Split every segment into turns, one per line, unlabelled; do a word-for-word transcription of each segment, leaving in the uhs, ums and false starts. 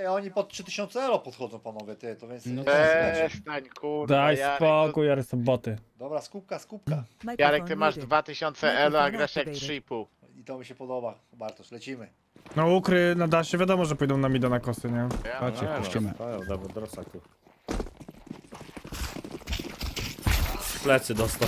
Ej, oni pod trzy tysiące elo podchodzą, panowie, ty, to więc...
No
No
Przestań, kurwa,
Daj
Jarek.
spokój, Jarek, są boty.
Dobra, skupka, skupka.
Jarek, ty masz dwa tysiące elo, a grasz jak trzy i pół.
I to mi się podoba, Bartosz, lecimy.
No ukry na dasie, wiadomo, że pójdą na mida na kosy, nie?
Chodźcie,
Nie,
puścimy.
no, to dobra, drosak tu. Plecy dostał.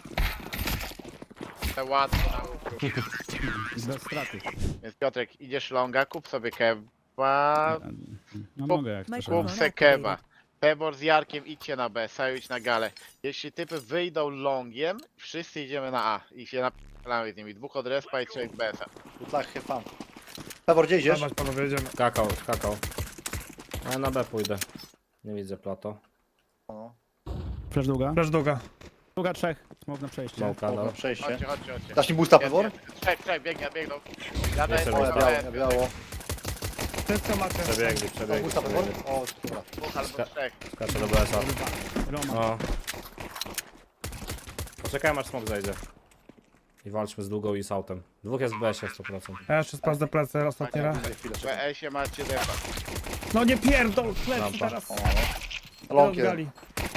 To łatwo na ukru.
Bez straty.
Więc Piotrek, idziesz longa, kup sobie kewa,
No mogę jak chcesz.
kup se kewa. Pebor z Jarkiem idźcie na B, Saju idź na galę. Jeśli typy wyjdą longiem, wszyscy idziemy na A i się napalamy z nimi. Dwóch od respa i trzech B S a.
Good luck, have fun. Pewor, gdzie idziesz?
Dawać, panowie, jedziemy.
Kakao, kakao. Ja na B pójdę. Nie widzę plato.
No,
Flash długa.
Flash długa.
Długa trzech. Smok na przejście.
Smoka,
na
no.
przejście.
Chodźcie, chodźcie, chodźcie.
Dasz mi boosta, Pewor?
Jest, jest. Trzech, trzech, biegnie, biegną. Ja daję
Jeszcze
O,
sobie
ja
raz.
biało, ja biało.
Wszystko macie.
Przebiegli,
Dasz
przebiegli.
boosta, Pewor?
przebiegli.
O, dobra.
Dwóch albo trzech.
Skaczę do B S a.
Roma.
No. Poczekajmy aż smok zajdzie. I walczmy z długą i z autem. Dwóch jest w B S ie sto procent.
Ja jeszcze sprawdzę plecy, ostatni raz.
Chwilę, chwilę,
W
czekaj.
B S ie macie defa.
No nie pierdol, plecy
Lampa.
teraz.
O, no. Long jeden.
Gali.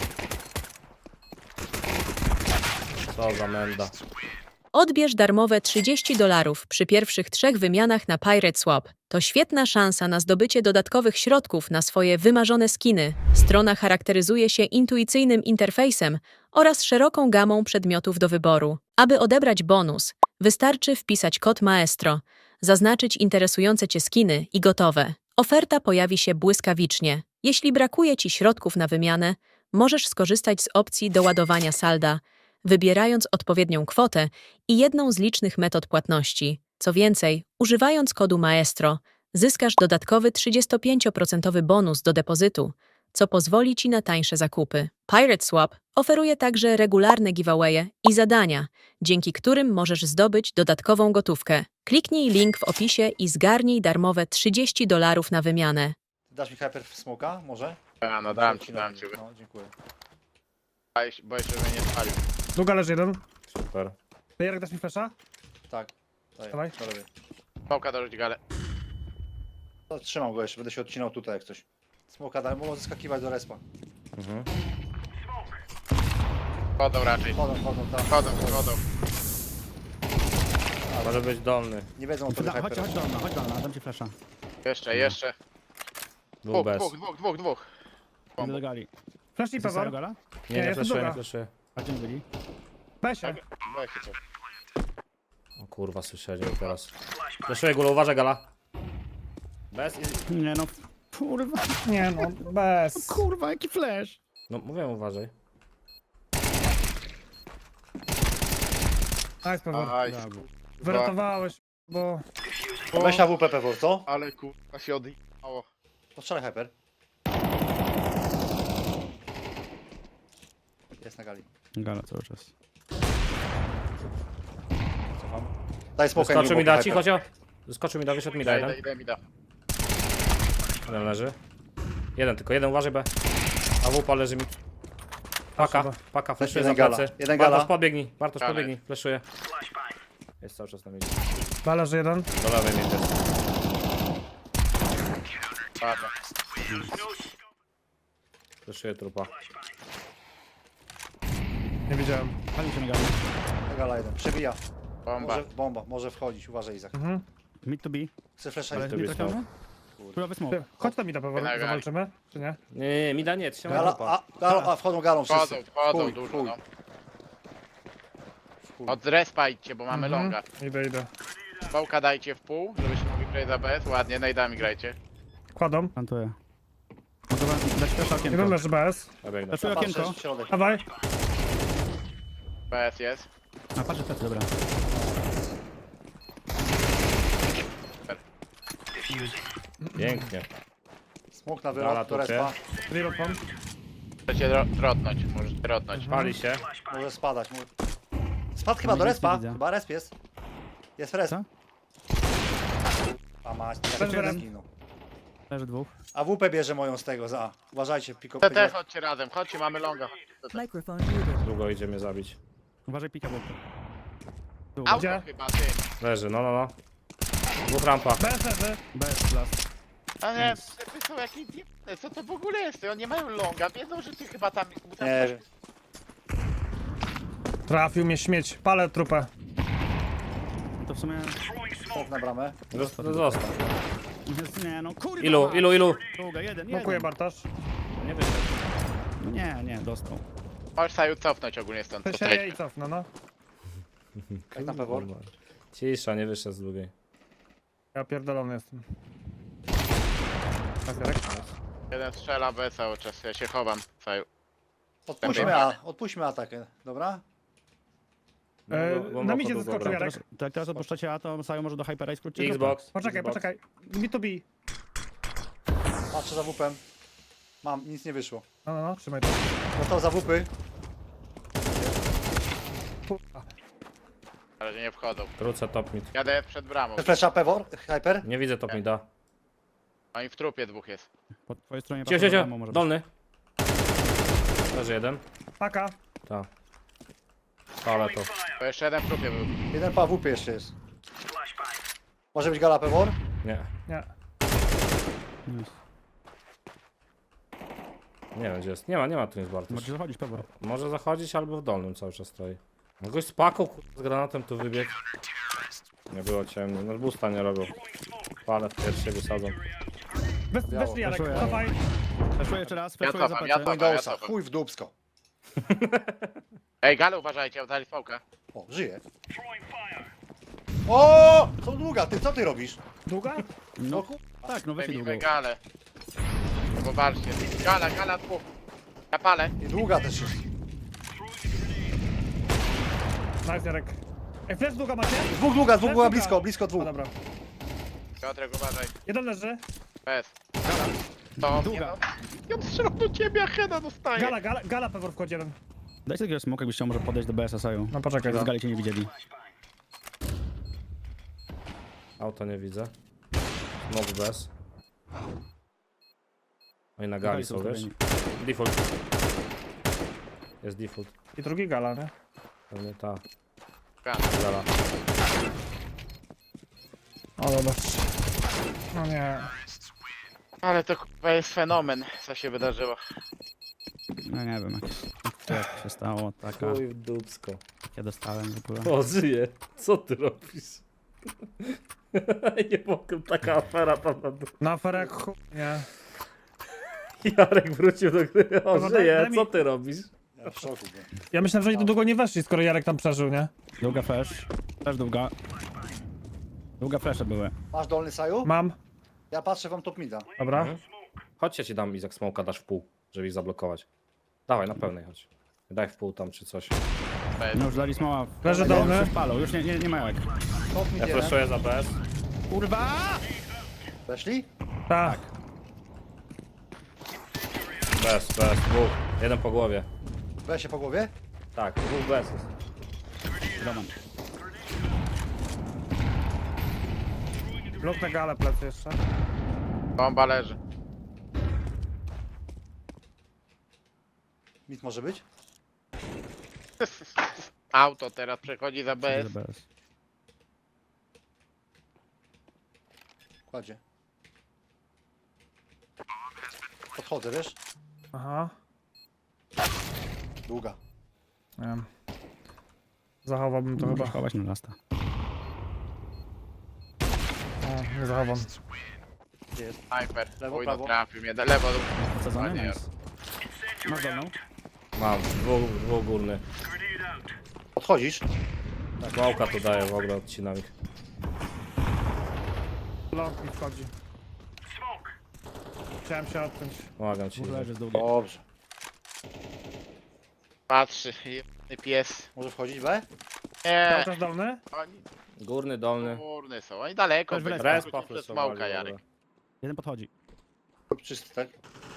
Co za menda.
Odbierz darmowe trzydzieści dolarów przy pierwszych trzech wymianach na Pirate Swap. To świetna szansa na zdobycie dodatkowych środków na swoje wymarzone skiny. Strona charakteryzuje się intuicyjnym interfejsem oraz szeroką gamą przedmiotów do wyboru. Aby odebrać bonus, wystarczy wpisać kod Maestro, zaznaczyć interesujące Cię skiny i gotowe. Oferta pojawi się błyskawicznie. Jeśli brakuje Ci środków na wymianę, możesz skorzystać z opcji doładowania salda, wybierając odpowiednią kwotę i jedną z licznych metod płatności. Co więcej, używając kodu Maestro, zyskasz dodatkowy trzydziestopięcioprocentowy bonus do depozytu, co pozwoli Ci na tańsze zakupy. Pirate Swap oferuje także regularne giveawaye i zadania, dzięki którym możesz zdobyć dodatkową gotówkę. Kliknij link w opisie i zgarnij darmowe trzydzieści dolarów na wymianę.
Dasz mi hyper smoka, może?
A, no dam ci, dam ci.
No, dziękuję.
Boję się, że mnie nie spalił.
Długa leży jeden.
Super.
Ty, Jarek, dasz mi flasha?
Tak. Daję,
Dawaj.
to robię.
Smoka dorzuć galę.
To trzymam go jeszcze, będę się odcinał tutaj jak coś. Smoka daj, mogą zeskakiwać do respa.
Mhm.
Chodzą raczej.
Chodzą, chodzą, tam.
Chodzą, chodzą.
Może być dolny.
Nie wiedzą o tobie
Chodź, chodź,
hyper.
chodź do mnie, chodź do mnie, dam ci flasha.
Jeszcze, jeszcze.
Dwóch
Dwóch,
bez.
dwóch, dwóch, dwóch, dwóch.
Idę do gali.
Flash i
Została
pewor.
gala?
Nie,
Nie,
nie
jestem
fleszuję,
druga.
nie fleszuję.
A gdzie byli?
Besie.
Weź się coś.
O kurwa, słyszeli teraz. Fleszuję gulę, uważaj gala. Bez i...
Nie no. Kurwa.
Nie no, bez.
Kurwa, jaki flash.
No mówię, uważaj.
Nice, pewor.
Aj,
Brawo.
kurwa.
Wyratowałeś, bo...
Weź na W P Pewor, co?
Ale kurwa się odjechało.
Postrzelaj hyper. Jest na gali.
Gala cały czas.
Cofam. Daj smoka.
Skoczył mi da, cicho, cicho. Skoczył mi da, wyszedł mi da
Idę,
jeden.
idę, idę.
Jeden leży. Jeden tylko, jeden uważaj B. A wupa leży mi. Paka,
Proszę,
paka, fleszuje za
jeden gala,
plecy.
jeden
Bartosz
gala.
podbiegnij, Bartosz
Gala
podbiegnij, fleszuje. Jest cały czas na mnie.
Dwa leży jeden.
Do lewej mnie też.
Ładnie.
Fleszuje trupa.
Nie widziałem.
Pali się na gali.
Gala jeden. Przebija.
Bomba.
Może, bomba, może wchodzić, uważaj Izak.
Mhm.
Mid to be.
Chcę flasha
Ale
i...
to
nie
jest
trafiamy? Królowy
Ty,
smoke.
chodź tam mi da pewor,
Na gali.
zawalczymy, czy nie?
Nie, nie, nie, mi da nie, trzymaj
Gala,
trupa.
a, gala, a wchodzą galą wszyscy.
Wchodzą, wchodzą
Chuj,
dużo,
chuj.
no.
Chuj.
Od respa idźcie, bo mamy
Mhm.
longa.
Idę, idę.
Smoka dajcie w pół, żebyśmy mogli grać za B S. Ładnie, najdami grajcie.
Kładą.
Plantuję. Mogę wam dać flasha
Jeden
okienko.
leży bez.
Ja biegnę.
Flashuję
Patrzę
okienko.
w środek.
Dawaj.
B S jest.
A patrzę plecy, dobra.
Pięknie.
Smok na
Gala
wylot do
tu cię.
respa.
Reload mam.
Możecie ro- trotnąć, możecie trotnąć.
Pali się.
Może spadać. Może... Spadł chyba do
nic nie
respa.
widzę.
Chyba resp jest. Jest resp.
Co?
A mać,
Leży
tak
jeden.
zginął.
Leży dwóch.
A W P bierze moją z tego za. Uważajcie, piko.
Te też chodźcie razem, chodźcie, mamy longa.
Microphone muted.
Długo idzie mnie zabić.
Uważaj pika boku.
Auto
Gdzie?
chyba, ty.
Leży, no, no, no. Dwóch rampa.
Bez leży.
Bez flash.
A nie, typy są jakieś dziwne, co to w ogóle jest? Oni nie mają longa, wiedzą, że ty chyba tam... tam
Nie, że-
Trafił mnie śmieć. Palę trupę.
To w sumie...
smok na bramę.
Zosta- Zostaw.
Jest, nie no, kurwa!
Ilu, ilu, ilu?
Długa, jeden,
Blokuję
jeden.
Bartosz.
Nie wyszedł.
No nie, nie, dostał.
Możesz Saju cofnąć ogólnie stąd.
To
to
się
trać.
je i cofnę, no.
Jak tam pewor?
Cisza, nie wyszedł z drugiej.
Ja pierdolony jestem. Tak, Jarek?
Jeden strzela B cały czas, ja się chowam, Saju.
Odpuśćmy A, odpuśćmy atakę, dobra?
E,
No, bo-
na
bo-
midzie
bo-
zeskoczył
dobra.
Jarek.
Teraz, to jak teraz odpuszczacie A, to Sajo może do Hypera i skrócić.
Xbox.
Poczekaj,
Xbox.
poczekaj. B to B.
Patrzę za wupem. Mam, nic nie wyszło.
No, no, no, trzymaj to.
Gotowy za wupy.
Kurwa.
Na razie nie wchodzą.
Krócę top mid.
Jadę przed bramą.
Flesza pewor, hyper.
Nie widzę top mida.
Oni w trupie dwóch jest.
Po twojej stronie
Cio, cio,
patrzę,
cio.
domu może być.
Dolny. Leży jeden.
Paka.
Tak. Ale to.
To jeszcze jeden w trupie był.
Jeden pa wupy jeszcze jest. Może być gala pewor?
Nie.
Nie.
Nice.
Nie wiem gdzie jest. Nie ma, nie ma tu nic Bartosz.
Możecie zachodzić, pewor.
Może zachodzić albo w dolnym cały czas stoi. No gość z paką kur- z granatem tu wybiegł. Nie było ciemno. No busta nie robią. Palę w pierwszy wysadzą.
Bez,
Biało.
weszli Jarek,
Weszło,
cofaj.
Flashuję jeszcze raz,
Ja
flashuję za
cofam, ja
plecy.
cofam.
Windowsa,
cofam.
chuj w dupsko.
Ej, Gale uważajcie, oddali fałkę.
O, żyje. O, co długa, ty co ty robisz?
Długa?
No tak, no weźcie
Zajmijmy
długo.
Gale. Popatrzcie. Gala, gala dwóch. Ja palę.
I długa też jest.
Nice Jarek. Ej, flash długa macie?
Dwóch długa, dwóch była
Długa.
blisko, blisko
O,
dwóch.
dobra.
Piotrek, uważaj.
Jeden leży.
Bez. To
Długa.
nie no. Ja strzelam do ciebie, a Heda dostaje.
Gala, gala, gala pewor wchodzi jeden.
Dajcie takiego smoka, jakbyś chciał może podejść do B S a Saju.
No poczekaj,
Z
no.
gali cię nie widzieli.
Auto nie widzę. Smok bez. Oni na gali są, wiesz? Default. Jest default.
I drugi gala, nie?
Pewnie ta.
Gala.
Gala.
O, zobacz. No nie.
Ale to chyba jest fenomen, co się wydarzyło.
No nie wiem, jak, jak się stało, taka,
Chuj w dupsko.
ja dostałem w ogóle.
O, żyje. Co ty robisz? Nie mogę, taka afera tam na dół.
Na aferę jak chuj, nie.
Jarek wrócił do gry. O,
Dobra, daj-
żyje.
daj mi-
Co ty robisz?
Ja w szoku byłem.
Ja myślałem, że oni tu długo nie weszli, skoro Jarek tam przeżył, nie?
Długa flash. Też długa. Długa flasze były.
Masz dolny saju?
Mam.
Ja patrzę wam top mida.
Dobra.
Mhm. Chodź, ja ci dam Izak smoka, dasz w pół, żeby ich zablokować. Dawaj, na pełnej chodź. Daj w pół tam czy coś.
Bez.
No już dali smoła.
Leży
Już
dolny.
Już palą, już nie, nie, nie mają jak.
Top mid
Ja
jeden.
flashuję za B S.
Kurwa!
Weszli?
Tak.
B S, B S, dwóch. Jeden po głowie.
Weź się po głowie.
Tak, dwóch B S jest.
Roman.
Blok na galę plecy jeszcze.
Bomba leży.
Mid może być?
Auto teraz przechodzi za B S.
B S.
Kładzie. Podchodzę, wiesz?
Aha.
Długa.
Nie wiem. Zachowałbym to chyba.
Możesz chować na lasta.
O, nie zachowam.
Gdzie jest?
Sniper.
Lewo,
Uj, no
prawo.
trafił mnie. Lewo.
Podsadzony?
Ładnie.
Nice. Masz dolną?
Mam, dwóch, dwóch górny.
Podchodzisz?
Małka tu daje, w ogóle odcinam ich.
Blok mi wchodzi. Chciałem się odciąć.
Pomagam ci.
Dwóch leży z długiej.
Dobrze.
Patrzy. Jebany pies.
Może wchodzić B?
Nie.
Cały czas dolny?
Oni
Górny, dolny.
górny są. Oni daleko.
Też w
byli.
respa.
Respa
Wrócił przez
fleszowali,
smoka,
w
Jarek.
ogóle.
Jeden podchodzi.
Czysty, tak?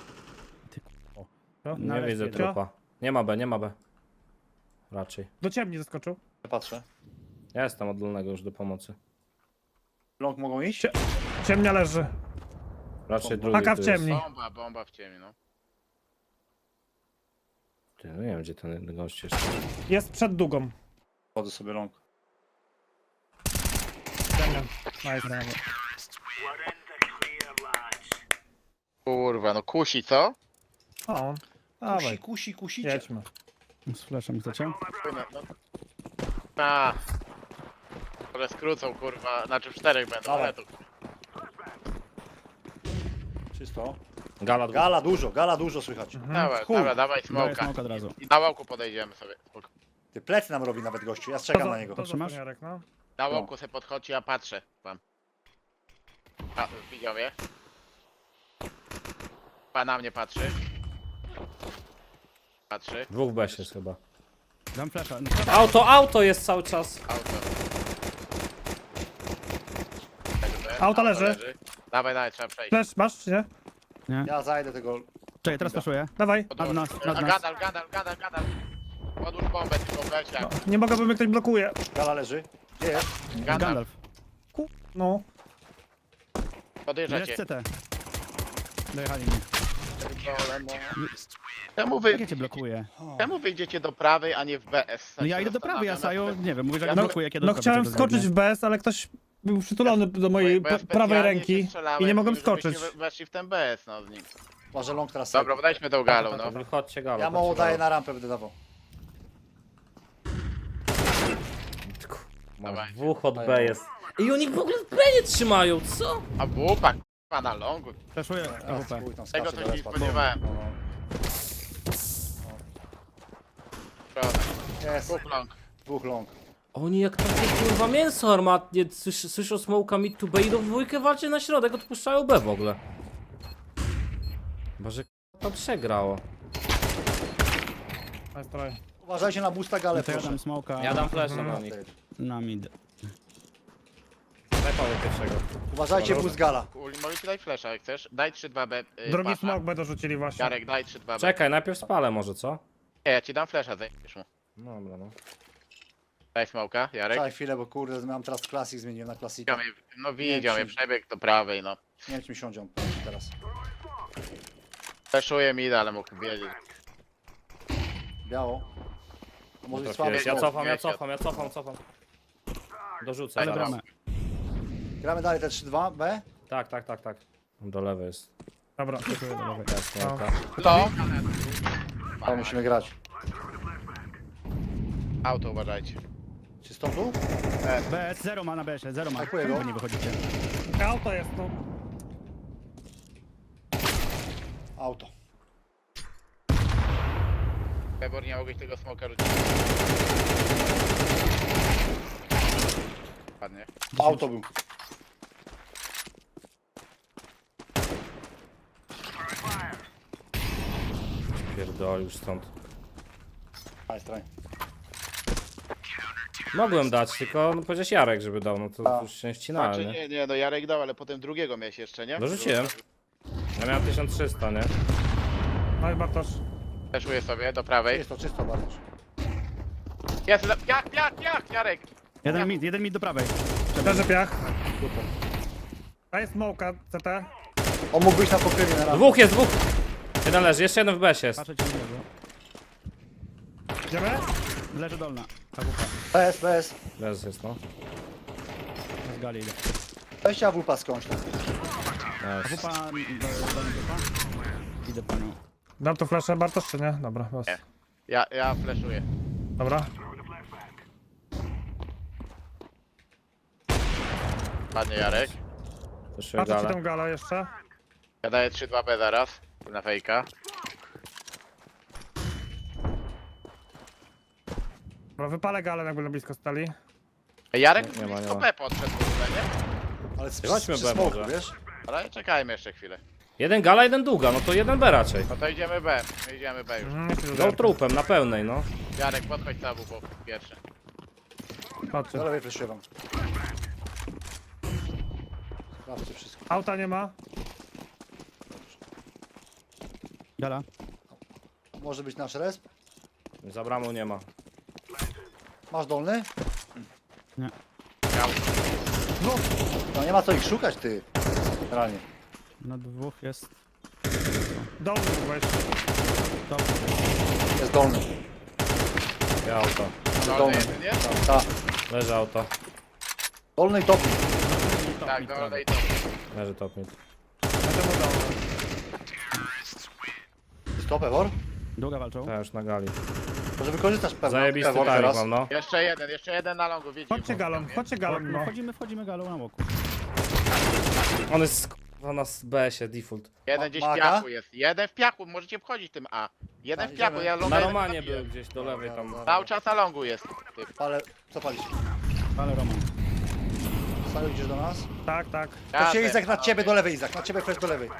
No.
Nie
Na
widzę
respie.
trupa. Nie ma B, nie ma B. Raczej.
Do ciemni zaskoczył.
Ja patrzę.
Ja jestem od dolnego już do pomocy.
Long mogą iść?
Cie- Ciemnia leży.
Raczej drugi
Paka w
tu jest.
ciemni.
Bomba, bomba w ciemni, no.
Ty, no nie wiem gdzie ten gość jest.
Jest przed długą.
Wchodzę sobie long.
Ciemnia. Nice.
kurwa, no kusi, co?
O,
Kusi,
dawaj,
kusi, kusicie.
jedźmy.
Z flashem chcecie?
Płynę, no. A. Może skrócą, kurwa, znaczy w czterech będą,
Dawaj.
ale to...
Czysto.
Gala dwóch.
Gala dużo, gala dużo słychać.
Dawaj,
Chuj.
dobra, dawaj
Daję
smoka.
smoke od razu.
I na łałku podejdziemy sobie. Spoko.
Ty plecy nam robi nawet gościu, ja strzegam
To
na
za-
niego.
To za
Trzymasz?
Jarek, no.
Na łałku se podchodzi, ja patrzę. Wam. A, widział mnie? Pan na mnie patrzy. Patrzy.
Dwóch w besie jest chyba.
Dam flasha.
Auto, auto jest cały czas.
Auto.
Auto leży.
Dawaj, dawaj, trzeba przejść.
Flash, masz czy nie?
Ja zajdę tego.
Czekaj, teraz flashuję.
Dawaj.
Nad nas, nad
A,
nas.
Gadal, gadal, gadal, gadal. Podłóż bombę, tylko weź jak.
Nie mogę, bo mnie ktoś blokuje.
Gala leży. Gdzie jest?
Gadal,
Gandalf.
No.
podjeżdża
Jest
cię.
C T. Dojechali mnie.
Czemu wy,
Jak ja cię blokuję?
czemu wyjdziecie do prawej, a nie w B S?
No ja idę do prawej, a Sajo, nie wiem, mówisz, że ja
No-
blokuję, kiedy
No
do
chciałem
prawej
skoczyć
biegnie.
w B S, ale ktoś był przytulony do mojej
Bo ja
p- prawej
specjalnie
ręki
się strzelałem,
i nie mogłem
żebyście
skoczyć.
we- Weszli w ten B S, no z nim.
Uważaj long teraz.
Dobra, podejdźmy tą galą, no.
Wychodźcie gala.
Ja mało daję na rampę, będę dawał.
Masz
Dawaj.
dwóch od B jest. I oni w ogóle w B nie trzymają, co?
A bupa, k***a, na longu.
Flashuję
Teraz
A W P.
chuj tam
Tego
skacze
to
do
się nie
respa.
spodziewałem.
No, no. Jest,
Kup long.
dwóch long.
Oni jak takie kurwa mięso armatnie słysz, słyszą smoka mid to B i do dwójkę walczy na środek, odpuszczają B w ogóle. Chyba, że to przegrało.
Nice try.
Uważajcie na boosta galę,
No to ja
proszę.
dam smoka
Ja dam flasha na nich.
na mid.
Daj Paweł pierwszego.
Uważajcie boost gala.
Uli, mogę ci dać flasha jak chcesz. Daj trzy dwa B. Yy,
Drugi
pasa.
smok będą rzucili właśnie.
Jarek, daj trzy dwa B.
Czekaj, najpierw spalę może, co?
Nie, ja ci dam flasha, zajmiesz mu.
No dobra, no.
Daj smoka, Jarek.
Czekaj chwilę, bo kurde, mam teraz klasik, zmieniłem na klasika.
Widział mnie, no widział mnie,
ci-
przebieg do prawej, no.
Nie wiem, czy mi siądzie on teraz.
Flashuje mi, ale mógł wiedzieć.
Biało. A może być słaby.
Trafiłeś. Ja
no,
cofam, ja
wiecie.
cofam, ja cofam, cofam. Dorzucę
Ale
zaraz.
bramę.
Gramy dalej te trzy dwa B.
Tak, tak, tak, tak. Do lewej jest.
Dobra.
Flashuję do lewej.
Jest,
No.
smoka.
To?
Ale musimy grać.
Auto uważajcie.
Czysto tu?
B S, zero ma na B S, zero ma.
Dziękuję,
Czemu
go.
wy nie wychodzicie?
Auto jest, no.
Auto.
Pebor, nie mogłeś tego smoka rzucić. Ładnie.
Auto był.
Pierdol już stąd.
Nice try.
Mogłem dać, tylko no, powiedziałeś Jarek, żeby dał, no to
A.
już się ścinałem,
Znaczy,
nie?
nie, nie, no Jarek dał, ale potem drugiego miałeś jeszcze, nie?
Dorzuciłem. Ja miałem tysiąc trzysta, nie?
No i Bartosz.
Fleszuję sobie do prawej.
Czysto, czysto bardzo.
Jest, le- piach, piach, piach, Jarek!
Jeden mid, jeden mid do prawej.
Leży piach.
Super.
Daj smoka, C T.
On mógł być na pokrywie na rampę.
Dwóch jest, dwóch! Jeden leży, jeszcze jeden w besie jest.
Patrzę ci nie leży.
Idziemy?
Leży dolna. A W P.
B S, B S.
Bez jest, no.
Z gali idę.
Weźcie A W P skądś. tam.
A W
Nice.
P, dolny dupa. Idę po nią.
Dam tu flaszę, Bartosz, czy nie? Dobra, los.
Nie. Ja, ja fleszuję.
Dobra.
Ładnie, Jarek.
Proszę
Patrzę ci
galę.
tą galę jeszcze.
Ja daję trzy dwa B zaraz. Na fejka.
Dobra, wypalę galę, jakby na blisko stali.
Ej, Jarek
Nie, nie ma, nie
blisko
ma.
B podszedł w ogóle, nie?
Ale z,
Chodźmy
przy
B
smoku,
może.
wiesz?
Ale czekajmy jeszcze chwilę.
Jeden gala, jeden długa, no to jeden B raczej.
No to idziemy B. My idziemy B już.
Mhm, nie się
Go trupem, na pełnej, no.
Jarek, podchodź cały, bo pierwszy.
Patrzcie.
Do lewej fleszuję wam. Sprawdźcie wszystko.
Auta nie ma.
Gala.
Może być nasz resp.
Za bramą nie ma.
Masz dolny?
Nie.
No nie ma co ich szukać, ty. Realnie.
Na dwóch jest.
Dolny weź.
To.
Jest dolny.
Ja auto.
Dolny
Dolny.
jeden, nie?
Ta.
Leży auto.
Dolny i topi.
Tak, dolny i to.
Leży top mid.
Będę mu dolny.
Co, Pewor?
Długa walczą.
Ja już na gali.
Może wykorzystasz pewno.
Zajebisty
Pewor
timing
teraz.
mam, no.
Jeszcze jeden, jeszcze jeden na longu, wiecie.
Chodźcie galon, chodźcie galon, no.
Wchodzimy, wchodzimy galą na boku.
On jest kurwa na B się, default.
Jeden gdzieś w
Maga?
piachu jest. Jeden w piachu, możecie wchodzić tym A. Jeden
A,
w piachu,
idziemy.
ja longa
Na
jeden
Romanie
zabiję.
był gdzieś do lewej tam.
Cały czas na longu jest. Typ.
Ale co palisz?
Ale Roman.
Saju, idziesz do nas?
Tak, tak.
To się
Jadę,
Izak na
panowie.
ciebie do lewej, Izak. Na ciebie flash do lewej.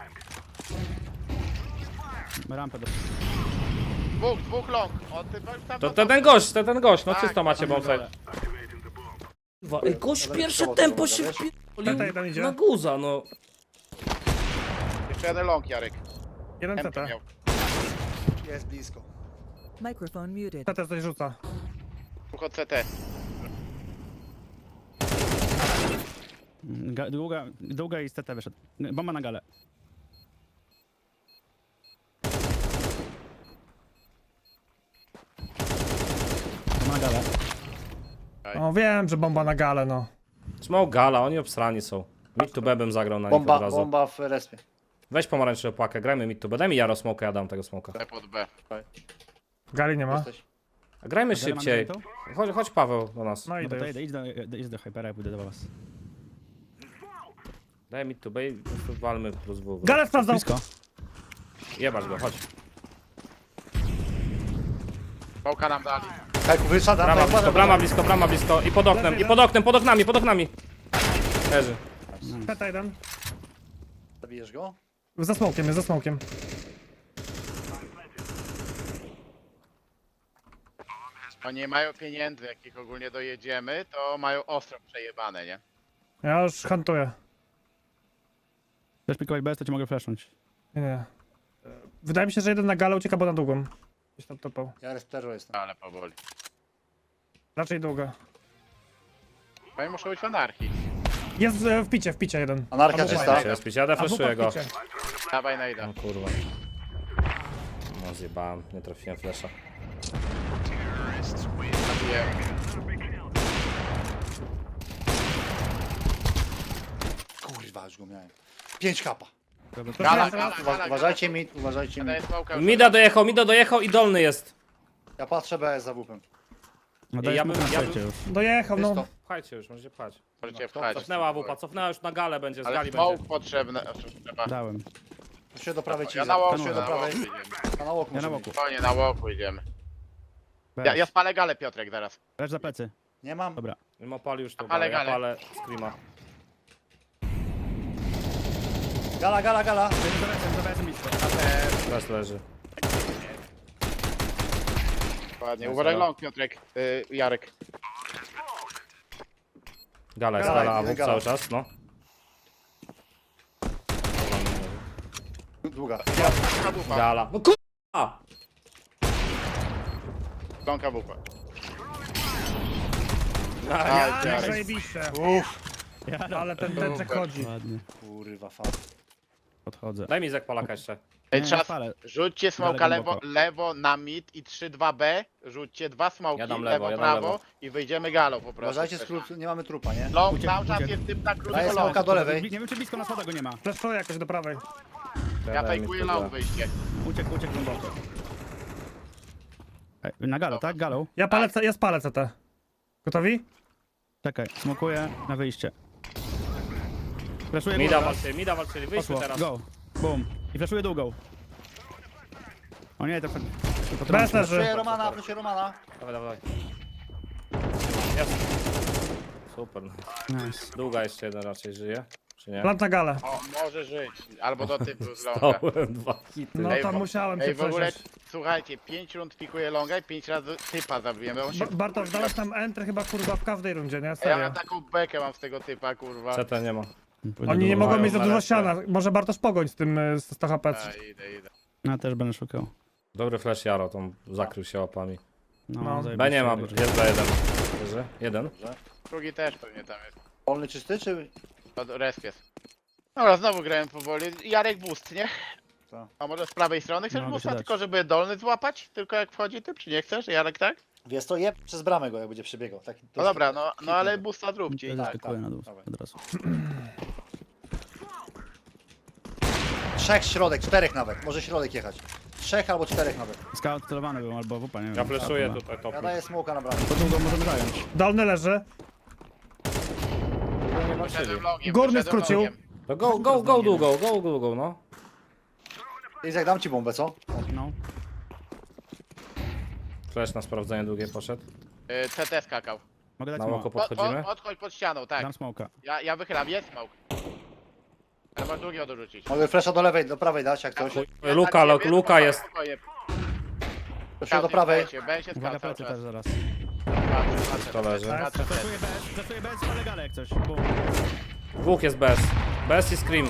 Rampę do...
Dwóch, dwóch long. O, ty, tam
To
na
to ten gość, to ten gość, no
Tak,
czysto macie
tam
bombsite. Kurwa, ej, gość
Ale
pierwsze
to
tempo
było,
się
wiesz?
wpierdolił
Tata jeden idzie.
na guza, no.
Jeszcze jeden long, Jarek.
Jeden
M
C T.
miał.
Jest blisko.
Microphone muted.
C T coś rzuca.
Dwóch od C T.
Ga- Długa, długa i z T T wyszedł. Bomba na galę. Bomba na galę.
No wiem, że bomba na galę, no.
Smoke gala, oni obsrani są. Mid to B bym zagrał na nich od
Bomba,
razu.
bomba w respie.
Weź pomarańczową pakę, grajmy mid to B. Daj mi Jaro smoka, ja dam tego smoka.
C pod B.
Gali nie ma.
Jesteś.
A grajmy
Galę mamy
szybciej.
zajętą?
Chodź, chodź Paweł do nas.
No
No
idę
to
już.
idę, idź do, idź do Hypera, ja pójdę do was.
Daj mid to B i po prostu walmy plus W.
Galę sprawdzam.
Blisko.
Jebać go, chodź.
Pałka nam dali.
Kajku, wyszadam.
Brama
tak,
blisko,
uważaj,
brama
uważaj.
blisko, brama blisko. I pod oknem, i pod oknem, pod oknami, pod oknami. Leży.
C T jeden.
Zabijesz go?
Za smokiem, jest za smokiem.
Oni nie mają pieniędzy, jak ich ogólnie dojedziemy, to mają ostro przejebane, nie?
Ja już hantuję.
Chcesz pikować bez, to ci mogę flashnąć.
Nie, nie. Wydaje mi się, że jeden na galę ucieka, bo na długą. Gdzieś tam topał.
Ja resterzo jestem.
Ale powoli.
Raczej długa.
Oni muszą być w anarchii.
Jest e, w picie, w picie jeden.
Anarchia
Albo
czysta.
fajnie.
Jest pić, ja
A wupa
deflaszuję
w
go.
picie.
Dawaj na ida.
No kurwa. No zjebałem, nie trafiłem flasha.
Zabiję.
Kurwa, już go miałem. pięć kapa.
Gala,
Teraz-
gala,
Uwa
gala,
uważajcie mi, uważajcie mi.
Daję smoka już.
Mida dojechał, Mida dojechał i dolny jest.
Ja patrzę B S za wupem.
No
Ja
dajesz
bym-
mu na
ja
sercie
bym-
już.
Dojechał, no.
Czysto.
Pchajcie już, możecie pchać.
Możecie wchodzić.
Cofnęła wupa, cofnęła już na galę będzie, z
Ale
gali
smoke
będzie.
potrzebne. Trzeba.
Dałem.
Proszę do prawej ci.
Ja na łoku,
Proszę
na
do
łoku
prawej.
idziemy.
A na łoku
Ja na
może
łoku.
być.
Spokojnie, na łoku idziemy.
Bez.
Ja, ja spalę galę, Piotrek, zaraz.
Leż za plecy.
Nie mam.
Dobra.
Mimo pali już to
Ale
galę, ja
galę.
palę screama.
Gala, gala, gala.
Za besem, za besem blisko.
Teraz leży.
Ładnie.
Jest
Uważaj
gala.
long, Piotrek. Y, Jarek.
Gala jest,
Gala,
gala, a
jeden
wup
gala.
cały czas, no.
Długa.
Kabupa.
Gala. No kurwa!
Long kabupa.
Ja,
Jarek.
zajebiście.
Uff.
Ale ten tęczek chodzi.
Ładnie.
Kurwa, fan.
Podchodzę.
Daj mi zek Polaka jeszcze.
Ej,
Nie,
trzeba.
palę.
Rzućcie smoka
Dalej
lewo,
głęboko.
lewo na mid i trzy dwa B. Rzućcie dwa smoki,
Ja dam
lewo,
lewo, ja dam
prawo
lewo.
i wyjdziemy galą po prostu.
Uważajcie, skrót, nie mamy trupa, nie?
Long
Uciek,
cały czas
uciek.
jest typ na
Daję
krótko
smoka
long.
do lewej.
Nie wiem, czy blisko na schodach go nie ma.
Fleszuję jakoś do prawej.
Ja
Daj mi
fejkuję
to
long
za-
wyjście.
Uciekł, uciekł głęboko. Ej, na galę, tak? Galą?
Ja palę, C- ja spalę C T. Gotowi?
Czekaj, smokuję na wyjście. Flashuję
Mida
górę.
walczyli, Mida walczyli, wyjdźmy
Poszło,
teraz.
go. Boom. I flashuję długą. O nie, to... to
Bez
Proszę
leży.
Romana, proszę Romana.
Dawaj, dawaj. Jest. Super.
Nice.
Długa jeszcze jeden raczej żyje, czy nie?
Plant na galę.
O, może żyć. Albo do typu z longa.
Dałem dwa hity.
No
Ej,
tam
bo-
musiałem się
Ej, w ogóle,
przesiąść.
słuchajcie, pięć rund pikuję longa i pięć razy typa zabiłem. On się...
Ba- Bartosz, dałeś tam entry chyba kurwa w każdej rundzie, nie?
Ja
Serio.
mam taką bekę mam z tego typa, kurwa.
C T nie ma.
Oni nie mogą
Mają
mieć za
na
dużo
resztę.
ściana. Może Bartosz pogoń z tym y, z sto H P.
A, idę, idę.
Ja też będę szukał.
Dobry flash Jaro, tam zakrył się łapami.
No,
No.
zajebiście.
B nie ma, jest B jeden. Leży? Jeden.
Drugi też pewnie tam jest.
Wolny czysty, czy...
Od resp jest. Dobra, znowu grałem powoli. Jarek boost, nie?
Co?
A może z prawej strony chcesz
Mogę
boosta,
ci dać.
tylko żeby dolny złapać? Tylko jak wchodzi typ, czy nie chcesz? Jarek, tak?
Wiesz to jeb przez bramę go, jak będzie przebiegał. Tak, to
No
jest-
dobra, no, no ale
hitny.
boosta zróbcie.
Ja
i-
zaskakuję
tak,
na dół
dawaj.
od razu.
Trzech środek, czterech nawet. Może środek jechać. trzech albo czterech nawet.
Scout celowany był albo wupa, nie wiem.
Ja fleszuję
Chyba.
tutaj top.
Ja daję smoka na bramę.
To długo możemy zająć.
Dolny leży.
Nie walczyli.
Wyszedłem longiem,
Górny
wyszedłem
skrócił.
longiem.
To go, go, go długo, go długo, no.
Izak, dam ci bombę, co?
No.
Flash na sprawdzenie długie poszedł.
Y, C T skakał.
Mogę dać
Na
smoka.
oko
Od, od,
podchodzimy.
odchodź pod ścianą, tak.
Dam smoka.
Ja, ja wychylam, jest smoke. Trzeba drugiego dorzucić.
Mogę flasha do lewej, do prawej dać, jak coś.
Luka, Luka, Luka jest.
Spokojnie.
Flashuję do prawej.
Będzie
Uwaga,
skał cały
plecy
czas.
też zaraz.
Patrzę, patrzę,
To leży.
patrzę, patrzę.
Zaszuję bez, zaszuję bez, ale gale jak coś. Bum.
Dwóch jest bez. Bez i scream.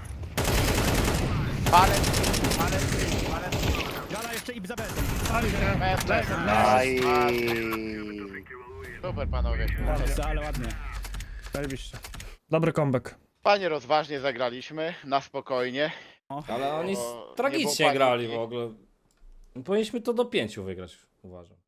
Ale, ale, ale,
Gala jeszcze i za bezem.
bez, bez.
Aj.
Super panowie.
Jeszcze, ale ładnie.
Zajebiście. Dobry comeback.
Panie rozważnie zagraliśmy, na spokojnie.
Ale oni
Bo nie
tragicznie
było
grali
paniki.
w ogóle. Powinniśmy to do pięciu wygrać, uważam.